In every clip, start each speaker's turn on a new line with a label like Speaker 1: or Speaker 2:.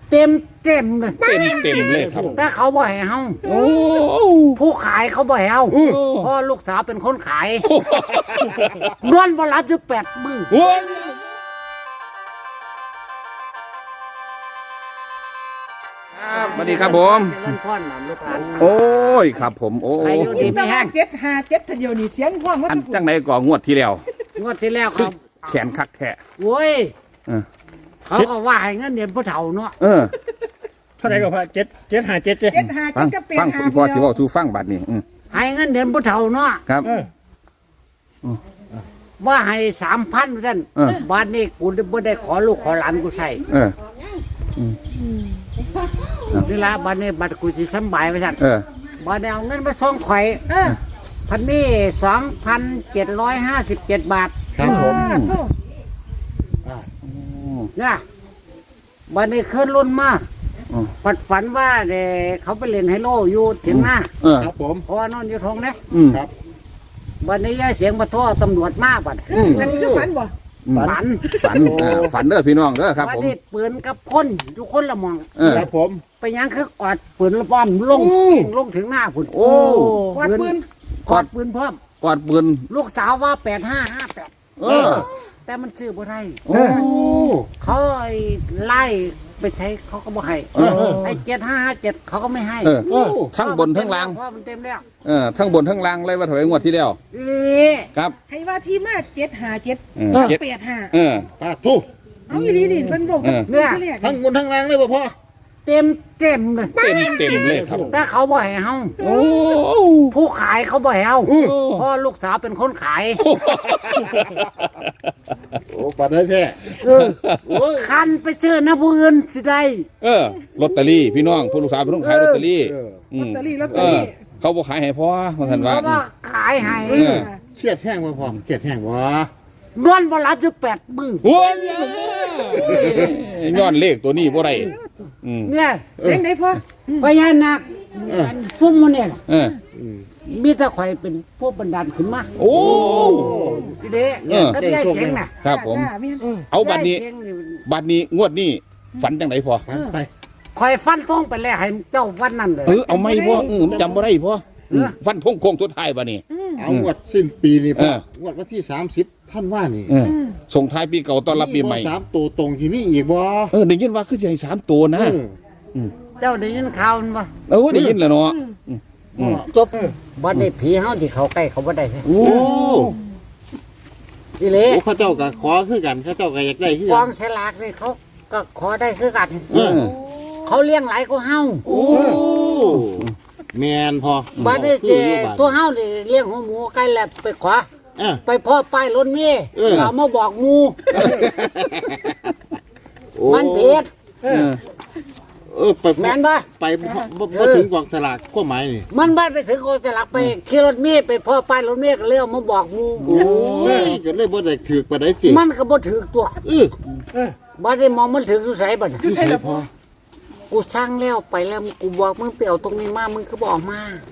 Speaker 1: เต็มเลย
Speaker 2: เต็มเลยครับ
Speaker 1: แต่เขาบ่ให้เฮา
Speaker 2: โอ้
Speaker 1: ผู้ขายเขาบ่ให้เฮาเพราะลูกสาวเป็นคนขายนอนบ่หลับอยู่8 มื้อ
Speaker 2: โอ้ยครับสวัสดีครับผม
Speaker 1: เล่นพ่อนหลานลูกหลาน
Speaker 2: โอ้ยครับผมโอ้
Speaker 1: อายุดีไม่แห้ง
Speaker 3: 757ทะเดียวนี่เสียงห้องว่า
Speaker 2: อันจังไหนก่องวดที่แล้ว
Speaker 1: งวดที่แล้วครับ
Speaker 2: แขนคักแท้
Speaker 1: โว้ย
Speaker 2: เออ
Speaker 1: เขาก็ว่าให้เงินเดือนผู้เฒ่าเนาะ
Speaker 2: เออ
Speaker 4: เท่าไหร่ก็พอ757เจ้
Speaker 2: ฟัง
Speaker 3: 757กับ
Speaker 2: ฟัง
Speaker 3: 85
Speaker 2: พี่พ่อสิเว้าสู่ฟังบัดนี้
Speaker 1: ให้เงินเดือนผู้เฒ่าเนาะ
Speaker 2: ครับ
Speaker 1: ว่าให้3,000ซั่น
Speaker 2: เออ
Speaker 1: บ้านนี้กูบ่ได้ขอลูกขอหลานกูใส่
Speaker 2: เออ
Speaker 1: นี่ล่ะบ้านนี้บัดกูสิสำบายว่าซั่น
Speaker 2: เออ
Speaker 1: บ้านนี้เอาเงินมาส่งข่อยพันนี้2,757 บาท
Speaker 2: ครับผม
Speaker 1: เนี่ยบ้านนี้ขึ้นรุ่นมา
Speaker 2: อืม
Speaker 1: ปัดฝันว่าเขาไปเล่นไฮโลอยู่เถียงหน้า
Speaker 2: เออ
Speaker 4: ครับผม
Speaker 1: เพราะว่านอนอยู่ทงเนี่ย
Speaker 4: ครับ
Speaker 1: บ้านนี้ย้ายเสียงมาโทษตำรวจมาบัด
Speaker 3: อันนี้คือฝันบ่
Speaker 1: ฝัน
Speaker 2: ฝันเด้อพี่น้องเด้อครับ
Speaker 1: บ้าน
Speaker 2: ผม
Speaker 1: นี้ปืนกับคนอยู่คนละหมอง
Speaker 2: เออ
Speaker 4: ครับผม
Speaker 1: ไปยังคือกอดปืนแล้วป้อมลงถึงหน้าพุ่น
Speaker 2: โอ้
Speaker 3: กวาดปืน
Speaker 1: กอดปืนพร้อม
Speaker 2: กอดปืน
Speaker 1: ลูกสาวว่า8558
Speaker 2: เออ
Speaker 1: แต่มันซื้อบ่ได้
Speaker 2: โอ้
Speaker 1: เขาไล่ไปใช้เขาก็บ่ให้
Speaker 2: เออ
Speaker 1: ไอ้7557เขาก็ไม่ให้
Speaker 2: เออทั้งบนทั้งล่าง
Speaker 1: เพราะมันเต็มแล้ว
Speaker 2: เออทั้งบนทั้งล่างเลยว่าถอยงวดที่แล้ว
Speaker 1: นี่
Speaker 2: ครับ
Speaker 3: ให้ว่าที่มา757
Speaker 2: เออ
Speaker 3: กับ85
Speaker 2: เออ
Speaker 4: ปาทุก
Speaker 3: เอาอีหลีนี่เพิ่นบอก
Speaker 2: เออ
Speaker 1: เนี่ย
Speaker 4: ทั้งบนทั้งล่างเลยบ่พ่อ
Speaker 1: เต็มเลย
Speaker 2: เต็มเลยครับ
Speaker 1: แต่เขาบ่ให้เฮา
Speaker 2: โอ้
Speaker 1: ผู้ขายเขาบ่ให้เฮา
Speaker 2: โอ้
Speaker 1: เพราะลูกสาวเป็นคนขาย
Speaker 4: โอ้ปัดได้แท้
Speaker 1: โอ้ยคันไปซื้อนะผู้อื่นสิได้
Speaker 2: เออลอตเตอรี่พี่น้องผู้ลูกสาวเป็นต้องขายลอตเตอรี่
Speaker 3: ลอตเตอรี่ลอตเต
Speaker 2: เอ
Speaker 3: อ
Speaker 2: อ
Speaker 3: รี่
Speaker 2: เขาบอกขายให้พ่อมาทันว่า
Speaker 1: เขาว่าขายให้
Speaker 2: เออ
Speaker 4: เครียดแห้งบ่พ่อเครียดแห้งบ่
Speaker 1: นอนบ่หลับอยู่8 มื้อ
Speaker 2: โอ้ยย้อนเลขตัวนี้บ่ได้อืม
Speaker 1: เนี่ย
Speaker 3: เล่นได้พ่อ
Speaker 1: พญานาคซุ่มมันเนี่ย
Speaker 2: เออ
Speaker 1: มีแต่ข่อยเป็นพวกบันดาลขึ้นมา
Speaker 2: โอ้
Speaker 1: ทีเด้ก็ได้เสียงน่ะ
Speaker 2: ครับผม
Speaker 3: จ้าแม่น
Speaker 2: เอาบัดนี้
Speaker 1: ได้เสียงนี่
Speaker 2: บัดนี้งวดนี้ฝันจังไดพ่อ
Speaker 4: ไป
Speaker 1: ข่อยฟันทงไปแล้วให้เจ้าวันนั้นเลย
Speaker 2: เอาไม่พ่อผมจำบ่ได้พ่อฟันทงโค้งทุดท้ายบัดนี้
Speaker 4: เอางวดสิ้นปีนี่พ่อ
Speaker 2: เออ
Speaker 4: งวดวันที่30ท่านว่านี่
Speaker 2: เออส่งท้ายปีเก่าต้อนรับปีใหม่
Speaker 4: 3ตัวตรงที่มีอีกบ่
Speaker 2: ได้ยินว่าคือสิให้3ตัวนะ
Speaker 1: เจ้าได้ยินข่าวมันบ่
Speaker 2: ได้ยินแล้วเนาะ
Speaker 1: จบบ่ได้ผีเฮาที่เขาใกล้เขาบ่ได้
Speaker 4: โอ้
Speaker 1: อีเล่
Speaker 4: โอ้เขาเจ้าก็ขอคือกันเขาเจ้าก็อยากได้คือก กั
Speaker 1: อน งฉลากนี่เขาก็ขอได้คือกัน
Speaker 4: เออ
Speaker 1: เขาเลี้ยงหลายกว่าเฮา
Speaker 4: โอ้แมนพอ
Speaker 1: บัดนี้เจ
Speaker 4: คืออยู่บัด
Speaker 1: ตัวเฮานี่เลี้ยงหัวหมูไก่แล้วไปขวา
Speaker 4: เออ
Speaker 1: ไปพ่อป้ายรถเมย์
Speaker 4: เออ
Speaker 1: เอามาบอกหมู
Speaker 4: โอ้
Speaker 1: มันเผ็ด
Speaker 4: ไป
Speaker 1: แม่นบ่
Speaker 4: ไปบ่ถึงกองสลากข้อหมายนี่
Speaker 1: มันบ้านไปถึงกองฉลากไปขี่รถเมย์ไปพ่อป้ายรถเมย์ก็เลยเอามาบอกหมู
Speaker 4: โอ้ยก็เลยบ่ได้ถือปานใดติ
Speaker 1: มันก็บ่ถือตัว
Speaker 4: เออ
Speaker 1: บัดนี้มองมันถืออยู่ไสบัดน่ะ
Speaker 4: คือใช่พอ
Speaker 1: กูสร้างแล้วไปแล้วกูบอกมึงไปเอาตรงนี้มามึงก็บอกมา
Speaker 4: โอ้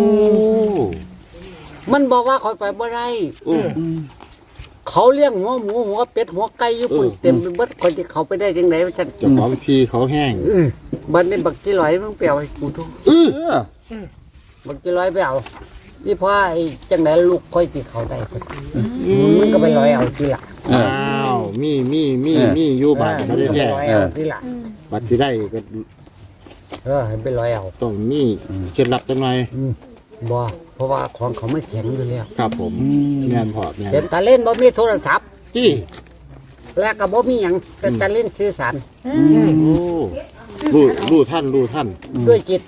Speaker 1: มันบอกว่าคอยไปบ่ได้
Speaker 4: โอ้
Speaker 1: เขาเลี้ยงหัวหมูหัวเป็ดหัวไก่อยู่ปุ่นเต็มไปหมดคนที่เขาไปได้จังไดว่าซั่น
Speaker 4: เจ้าของทีเขาแห้ง
Speaker 1: บัดนี้บักจิร้อยมึงไปเอาให้กูดู
Speaker 4: เออ
Speaker 1: บักจิร้อยไปเอานี่พ่อไอ้จังไดลูกค่อยสิเขาได้มึงก็ไปร้อยเอาทีหลัง
Speaker 4: อ้าวมีอยู่บ้านบ่ได้
Speaker 1: ไป
Speaker 4: แท้
Speaker 1: ร้อยเอาทีหลัง
Speaker 4: บัดสิได้ก็
Speaker 1: ให้ไปร้อยเอา
Speaker 4: ต้องมีเคล็ดลับจังหน่อย
Speaker 1: บ่เพราะว่าของเขาไม่แข็งอยู่แล้ว
Speaker 4: ครับผมแม่นพอแม่น
Speaker 1: เป็นตาเล่นบ่มีโทรศัพท์
Speaker 4: ที่
Speaker 1: และก็บ่มีหยังเป็นตาเล่นสื่อสาร
Speaker 4: โอ้รู้ท่าน
Speaker 1: ด้วยจิต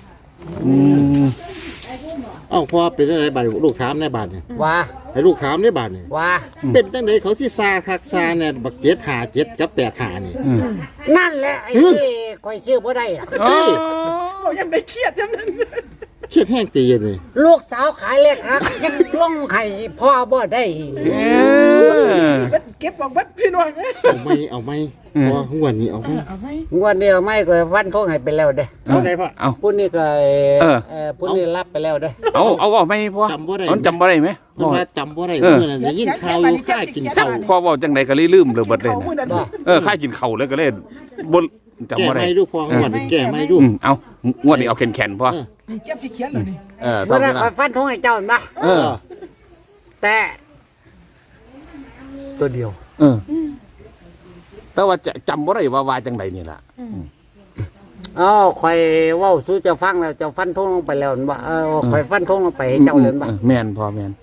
Speaker 4: เอ้าพอเป็นจังไดบัดลูกถามในบ้านนี่
Speaker 1: ว่า
Speaker 4: ให้ลูกถามในบ้านนี่
Speaker 1: ว่า
Speaker 4: เป็นจังไดเขาสิซาคักซาเนี่ยบัก757กับ85นี่
Speaker 1: นั่นแหละไอ้ที่คอยชื่อบ่ได้อะ
Speaker 3: เรายังได้เครียดจังนั้น
Speaker 4: เครียดแห้งตีเลย
Speaker 1: ลูกสาวขายเลขครับยังลงไข่พ่อบ่ได้
Speaker 3: เก็บบอกวัดพี่น้อง
Speaker 4: เอาไหมพอหัวนี้เอาไหม
Speaker 3: เอาไหม
Speaker 1: งวดเดียวไม่ก็วันทงให้ไปแล้วเด้
Speaker 4: เอาไหนพ่อ
Speaker 2: เอา
Speaker 1: ผู้นี้ก็ ผู้นี้รับไปแล้วเด้
Speaker 2: เอาว่าไม่พ่อ
Speaker 4: จำบ่ได้
Speaker 2: มันจำบ่ได้ไหม
Speaker 4: เพราะว่าจำบ่ได้เมื่อนั้นได้ยินข่าวอยู่ค่ากินข้าว
Speaker 2: พ่อบอกจังไดก็เลยลืมเลยเบิดเลย
Speaker 3: เขา
Speaker 2: นะ
Speaker 3: มือนั้น
Speaker 1: บ่
Speaker 2: ค่ากินข้าวเลยก็เลยจำ
Speaker 4: แก้
Speaker 2: บ่ได้
Speaker 4: ไม่ดูพองวดนี้แก้ไม่ดู
Speaker 2: เอางวดนี้เอาแข็งๆพอ
Speaker 3: นี่เก็บที่เขียนเลยนี่
Speaker 1: เมื่อ
Speaker 2: ทำ
Speaker 1: นั้
Speaker 2: ได้
Speaker 1: นคอยฟันทงให้เจ้าเห็นปะ
Speaker 2: เออ
Speaker 1: แต่ตัวเดียว
Speaker 2: เออ แต่ว่าจะจำบ่ได้ว่าจังใดนี่ล่ะ
Speaker 1: คอยเว้าสู้เจ้าฟังแล้วเจ้าฟันทงลงไปแล้วเห็นปะคอยฟันทงลงไปให้เจ้าเลยเห็นปะ
Speaker 2: แม่นพอแม่น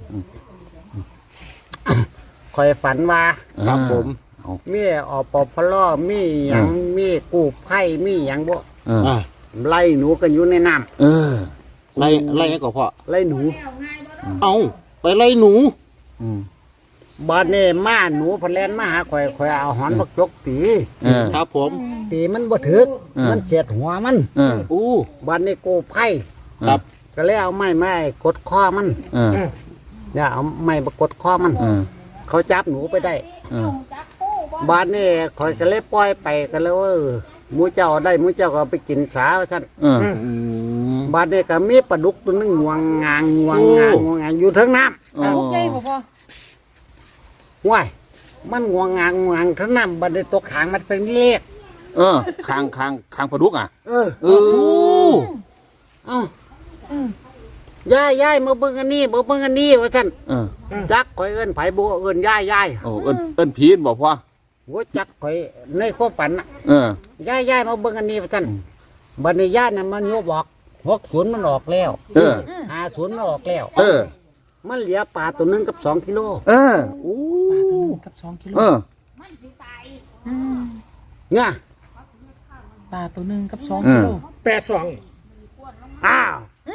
Speaker 1: คอยฝันว่า
Speaker 2: ครับผมเอา
Speaker 1: มีอปพลมีหยังมีกู้ภัยมีหยังบ่
Speaker 2: เออ
Speaker 4: อ่า
Speaker 1: ไล่หนูกันอยู่ในน้
Speaker 2: เออ
Speaker 4: ไล่ให้ก่อนพ่อ
Speaker 1: ำไล่หนู
Speaker 4: เอาไปไล่หนู
Speaker 2: อืม
Speaker 1: บ้านนี้มาหนูพนแลนมาหาข่อยเอาหอนบักจกตี
Speaker 2: เออ
Speaker 4: ครับผม
Speaker 1: ตีมันบ่ถึก มันเสียดหัวมัน
Speaker 2: เออ
Speaker 4: อู้
Speaker 1: บ้านนี้กู้ภัย
Speaker 4: ครับ
Speaker 1: ก็เลยเอาไม้กดคอมัน
Speaker 2: เออ
Speaker 1: อย่าเอาไม้มากดคอมัน
Speaker 2: เออ
Speaker 1: เขาจับหนูไปได้
Speaker 2: เออ
Speaker 1: บ้านนี้ข่อยก็เลยปล่อยไปกันแล้วหมูเจ้าได้หมูเจ้าก็เอาไปกินสาว่าซั่น
Speaker 2: เออ
Speaker 4: อืม
Speaker 1: บ้านนี้ก็มีปลาดุกตัวหนึงงวงงางอยู่เทั้งน้ำ
Speaker 2: อ๋อ
Speaker 3: ลูกใหญ่บ่พ่อ
Speaker 1: ว้ายมันงวงงางทั้งน้ำบันไดตกขางมันเป็นเลข
Speaker 2: เออคางปลาดุกอ่ะ
Speaker 1: เออ
Speaker 2: เออ
Speaker 1: เอ้าย่ายมาเบิ่งอันนี้มาเบิ่งอันนี้ว่าท่าน
Speaker 2: เออ
Speaker 1: จักข่อยเอิ้นไผบ่เอิ้นย่าย
Speaker 2: โอ้เอิ้นผีนบอกพ่อ
Speaker 1: หัวจักข่อยในความฝันน่ะ
Speaker 2: เออ
Speaker 1: ย่ายมาเบิ่งอันนี้ว่าท่านบัดนี้ย่ายน่ะมันโยบบอก60มันออกแล้ว
Speaker 2: เออ
Speaker 1: 50มันออกแล้ว
Speaker 2: เออ
Speaker 1: มันเหลือปลาตัวหนึงกับ2กิโล
Speaker 2: เออโอ้
Speaker 3: ปลาตัวหนึงกับ2 กิโล
Speaker 2: เออ
Speaker 1: เนี่ย
Speaker 3: ปลาตัวหนึงกับ
Speaker 2: เอ
Speaker 3: 2
Speaker 2: อ
Speaker 3: กิโล
Speaker 1: อ้าว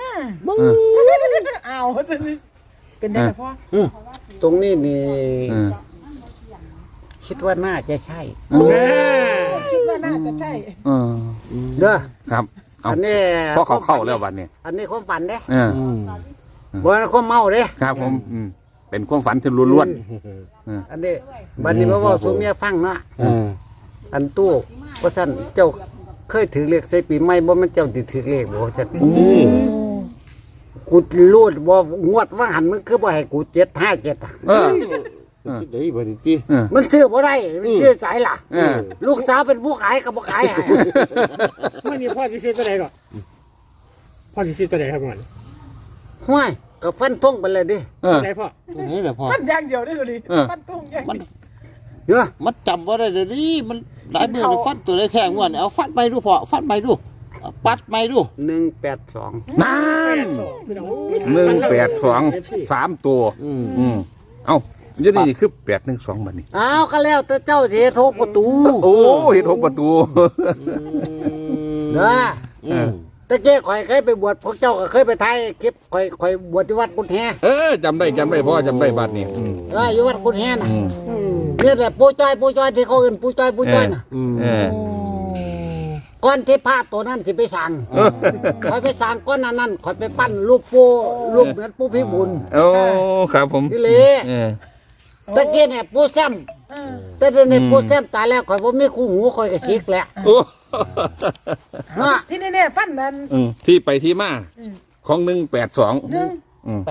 Speaker 3: อ้าวจะนี่เป็นได้ล่ะพ่อ
Speaker 1: ตรงนี้นี่
Speaker 2: เออ
Speaker 1: คิดว่าน่าจะใช่
Speaker 3: คิดว่าน่าจะใช่
Speaker 2: เออ
Speaker 1: เด้อ
Speaker 2: ครับเอา
Speaker 1: อันนี้
Speaker 2: พ่อเขาเข้าแล้ววันนี้
Speaker 1: อันนี้ความฝันเด้
Speaker 2: เออ
Speaker 4: อืม
Speaker 1: บ่แม่นความเมาเด้
Speaker 2: ครับผมเป็นความฝันที่ล้วน
Speaker 1: อันนี้บัดนี้มาเว้าสู่เมียฟังเนาะ
Speaker 4: อืม
Speaker 1: อันตู้ว่าซั่นเจ้าเคยถือเลขใส่ปีใหม่บ่แม่นเจ้าสิถือเลขบ่ว่าซั่นกูรู้บ่งวดว่าหันมึงคือบ่ให้กู757อ่ะ
Speaker 2: ๆเออ
Speaker 4: คิดได้บ่ดีติ
Speaker 2: เออ
Speaker 1: มันซื้อบ่ได้มันซื้อสายล่ะ
Speaker 2: เออ
Speaker 1: ลูกสาวเป็นผู้ขายก็บ่ขายให้
Speaker 5: ไม่มีพ่อที่ซื้อตัวไหนก่อนพ่อที่ซื้อตัวไหนครับก่อน
Speaker 1: ห้วยก็ฟันทงไปเลยดิ
Speaker 2: เออ
Speaker 5: ไหนพ่อ
Speaker 4: ตัวนี้แหละพ่อ
Speaker 3: ฟันอย่างเดียวได้เลย
Speaker 2: เออ
Speaker 3: ฟันตรงอย่าง
Speaker 4: มัน
Speaker 1: เด้อ
Speaker 4: มันจำว่าได้เดี๋ยวนี้มันหลายเมื่อฟันตัวได้แค่งวดเอาฟันไปดูพอฟันไปดูเอาปัดไปดู
Speaker 1: 182
Speaker 2: นั่น
Speaker 5: พี่น้อง
Speaker 2: 182 3 ตัว
Speaker 4: อืม
Speaker 2: เอ้าเดี๋ยวนี้คือ812บัดนี้
Speaker 1: อ้าวก็แล้วแต่เจ้าสิโทรประตู
Speaker 2: โอ้เห็น6ประตู
Speaker 1: เด้อ
Speaker 4: อืม
Speaker 1: ตะเกียข่อยเคยไปบวชพวกเจ้าก็เคยไปถ่ายคลิปข่อยบวชที่วัดกุฎแฮ
Speaker 2: เออจำได้พ่อจำได้บัดนี้
Speaker 1: อยู่วัดกุฎแฮน่ะ
Speaker 2: อืม
Speaker 1: นี่แหละปู่จ้อยที่เขาเอิ้นปู่จ้อยน่ะ
Speaker 4: อืม
Speaker 2: เออ
Speaker 1: ก่อนที่พระตัวนั้นสิไปสั่งข่อยไปสั่งก้อนนั้นข่อยไปปั้นรูปปู่รูปเหมือนปู่พิบูล
Speaker 2: โอ้ครับผม
Speaker 1: นี่เลย
Speaker 2: เออ
Speaker 1: ตะเกียเนี่ยปู่แซมแต่เดี๋ยวนี้ปู่แซมตายแล้วข่อยบ่มีคู่หูข่อยก็สิกแล้ว
Speaker 2: โอ้
Speaker 1: เนาะ
Speaker 3: ที่แน่ๆฟันนั้น
Speaker 2: ที่ไปที่มาของ182
Speaker 1: 82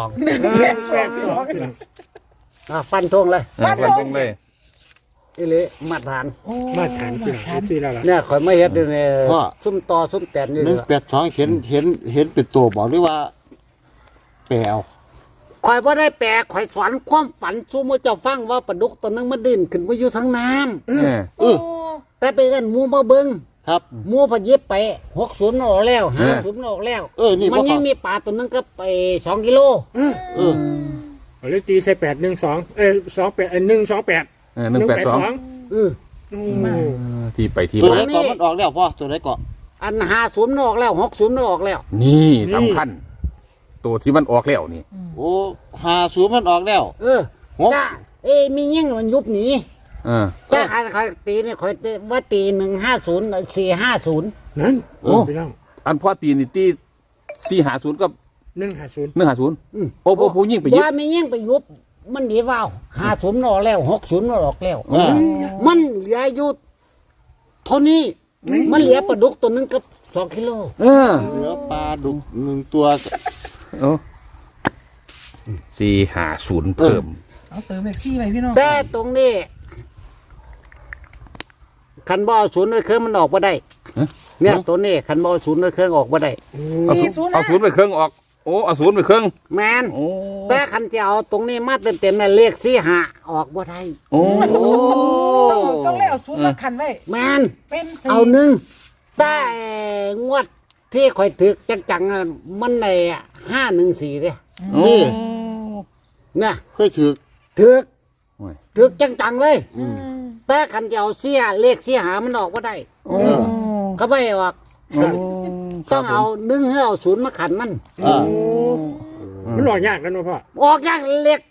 Speaker 3: 8
Speaker 1: ฟันธงเลย
Speaker 2: ฟันตรงเลย
Speaker 1: อีหลีมาตรฐาน
Speaker 5: มาฐานพี่น้องซื้อแล้วล่ะ
Speaker 1: เนี่ยข่อยมาเฮ็ดอยู่เนี่ยซุ่มต่อซุ่มแตนอยู่
Speaker 4: หนึ่ง
Speaker 1: เนี่ย
Speaker 4: 82เห็นเป็นตัวบอกหรือว่าแปลว
Speaker 1: ข่อยบ่ได้แปลข่อยสอนความฝันสู่หมู่เจ้าฟังว่าปลาดุกตัวนึงมันดิ้นขึ้นมาอยู่ทางน้ำ
Speaker 2: เออ
Speaker 4: เออ
Speaker 1: แต่ไปกันหมู่มาเบิ่ง
Speaker 4: ครับ
Speaker 1: หมู่พะเย็บไป60ออกแล้ว50ออกแล้ว
Speaker 4: นี่
Speaker 1: มัน
Speaker 4: บ่
Speaker 1: ยังมีปลาตัวนึงก็ไป2กิโล
Speaker 4: เออ
Speaker 5: เอาเลยตีใส่812128
Speaker 2: 182
Speaker 1: เออ
Speaker 2: ที่ไปที่
Speaker 4: ตัว
Speaker 2: มา
Speaker 4: ไหนก่อนมันออกแล้วพ่อตัวไหนก่อน
Speaker 1: อัน50ออกแล้ว60ออกแล้ว
Speaker 2: นี่สำคัญ ตัวที่มันออกแล้วนี่
Speaker 4: โอ้50มันออกแล้ว
Speaker 1: เออ
Speaker 4: หก
Speaker 1: จ้ามียิ่งมันยุบหนี
Speaker 2: เออ
Speaker 1: แต่ข่อยตีนี่ข่อยว่าตี150 450
Speaker 5: นั่น
Speaker 2: โอ้
Speaker 5: พี่น้อง
Speaker 2: อันพ่อตีนี่ตี450กับ
Speaker 5: 150
Speaker 2: 150โอ้ผู้ยิ่งไปยึด
Speaker 1: ว่ามียิ่งไปยุบมันดีว่าว50ออกแล้ว60ออกแล้ว
Speaker 4: อ่า
Speaker 1: มันเหลืออยู่เท่านี้ มันเหลือปลาดุกตัวนึงกับ2กิโล
Speaker 2: เออ
Speaker 4: เหลือปลาดุก1ตัว
Speaker 2: โอ้450เพิ่ม
Speaker 3: เอาเติมเลข4ไปพี่น้อง
Speaker 1: แต่ตรงนี้คันบ่เอาศูนย์ไว้เครื่องมันออกบ่ได้เนี่ยตัวนี้คันบ่เอาศูนย์ไว้เครื่องออกบ่ได้
Speaker 2: เอาศูนย์ไปเครื่องออกโอ้เอาศูนย์ไปเครื่อง
Speaker 1: แมน
Speaker 2: โอ้
Speaker 1: แต่คันจะเอาตรงนี้มาเต็มๆน่ะเลข45ออกบ่ได้
Speaker 2: โอ้
Speaker 3: ต้องเล่เอาศูนย์มาคันไว้
Speaker 1: แมน
Speaker 3: เป็นสี่
Speaker 1: เอาหนึ่งแต่งวดที่ข่อยถึกจังๆน่ะมันใน514เด้
Speaker 4: นี่
Speaker 1: เนี่ย
Speaker 4: เคยถือ
Speaker 1: ถึกจังๆเลย แต่คันจะเอาเลข45มันออกบ่ได้
Speaker 2: โอ้
Speaker 1: เขาไม่ให้ออก
Speaker 2: ครับ
Speaker 1: ต้องเอา1ให้เอา0มาขันมัน
Speaker 5: มันหล่อยากกันเนาะพ่อ
Speaker 1: ออกอย่างเล็ก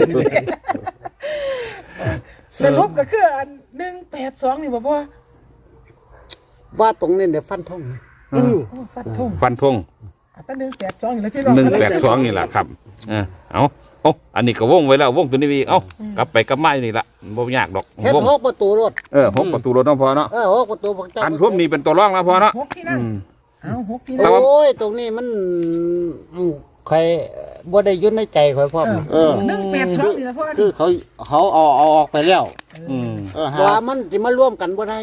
Speaker 3: สรุปก็คืออัน182นี่บ่พ่อ
Speaker 1: ว่าตรงนี้เดี๋ยวฟันทง
Speaker 3: โอ้ฟันธง
Speaker 2: ฟันธง
Speaker 3: แต่182นี่แหละพี่น้อง
Speaker 2: 182นี่แหละครับเอาอันนี้ก็วงไว้แล้ววงตัวนี้อีกเอากลับไปกลับมาอยู่นี่ละบ่ยากดอก
Speaker 1: เฮ็ด
Speaker 2: วง
Speaker 1: หกประตูรถ
Speaker 2: หกประตูรถน้องพอเนาะ
Speaker 1: หกประตูพวกเจ้า
Speaker 2: อันทุ่มนี่เป็นตัวร่องแล้วพอเนาะ
Speaker 3: หกที่นั่งเอาหกที่
Speaker 2: แต่
Speaker 3: นั่ง
Speaker 2: ว่า
Speaker 1: โอ้ยตรงนี้มันใครบ่ได้ยุ่นในใจข่อยพร้อม
Speaker 3: 182นี่แหละพ่อ
Speaker 4: คือเขาเอาออกไปแล้ว
Speaker 2: อืม
Speaker 1: ว่ามันสิมาร่วมกันบ่ได้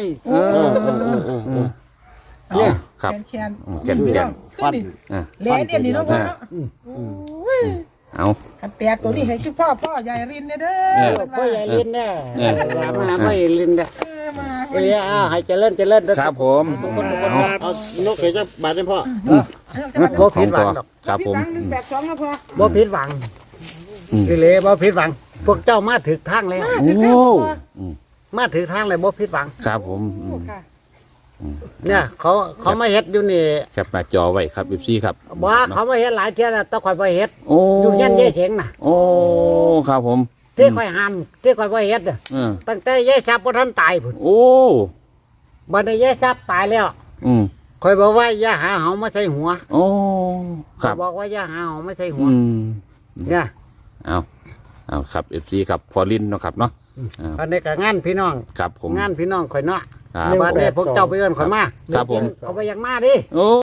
Speaker 1: เนี่ย
Speaker 2: ครับ
Speaker 3: แคน
Speaker 2: แก่น
Speaker 3: ฟันแหลเดียวนี่เนาะพ่อเนาะ
Speaker 2: เอา
Speaker 3: คันแตกตัวนี้ให้ชื่อพ่อใหญ่รินเด้อ
Speaker 1: พ่อใหญ่ลินเนี่ยมาหาพ่อใหญ่ลินเนี่ย
Speaker 3: มา
Speaker 1: เอ้ยให้เจริญเด้อ
Speaker 2: ครับผม
Speaker 4: เอานกเขยจะบาดได้พ่อ
Speaker 1: บ่ผิดหวังดอก
Speaker 2: ครับผม
Speaker 3: 182นะพ่อ
Speaker 1: บ่ผิดหวังอีหลีบ่ผิดหวัง พวกเจ้ามาถึกทางแล้ว
Speaker 2: โอ้
Speaker 1: มาถึกทางเลยบ่ผิดหวัง
Speaker 2: ครับผม
Speaker 3: ค่ะ
Speaker 1: เนี่ยเขามาเฮ็ดอยู่นี่
Speaker 2: แคปหน้าจอไว้ครับอีซี่ครับ
Speaker 1: บ่เขามาเฮ็ดหลายเที่ยแล้วแตะข่อยบ่เฮ็ด
Speaker 2: โอ้
Speaker 1: อยู่ยันยายเสงน่ะ
Speaker 2: โอ้ครับผม
Speaker 1: ที่ข่อยห้ามที่ข่อยบ่เฮ็ดน่ะ
Speaker 2: อืม
Speaker 1: ตั้งแต่ยายทรัพย์บ่ทันตายพุ่น
Speaker 2: โอ้
Speaker 1: บัดนี้ยายทรัพย์ตายแล้ว
Speaker 2: อืม
Speaker 1: ข่อยบอกว่าอย่าหาเหามาใส่หัว
Speaker 2: โอ้ค
Speaker 1: ข่อ
Speaker 2: รั
Speaker 1: ย
Speaker 2: บ
Speaker 1: บอกว่าอย่าหาเหามาใส่หัว
Speaker 2: อืม
Speaker 1: เนี่ย
Speaker 2: เอาครับเอฟซีครับพอลินเนาะครับเนาะ
Speaker 1: อันนี้ก็งานพี่น้อง
Speaker 2: ครับผม
Speaker 1: งานพี่น้องข่อยเนาะ
Speaker 2: ครับ
Speaker 1: บัดนี้พวกเจ้าไปเอิ้นข่อยมา
Speaker 2: ครับผม
Speaker 1: เขาไปอยากมาดิ
Speaker 2: โอ้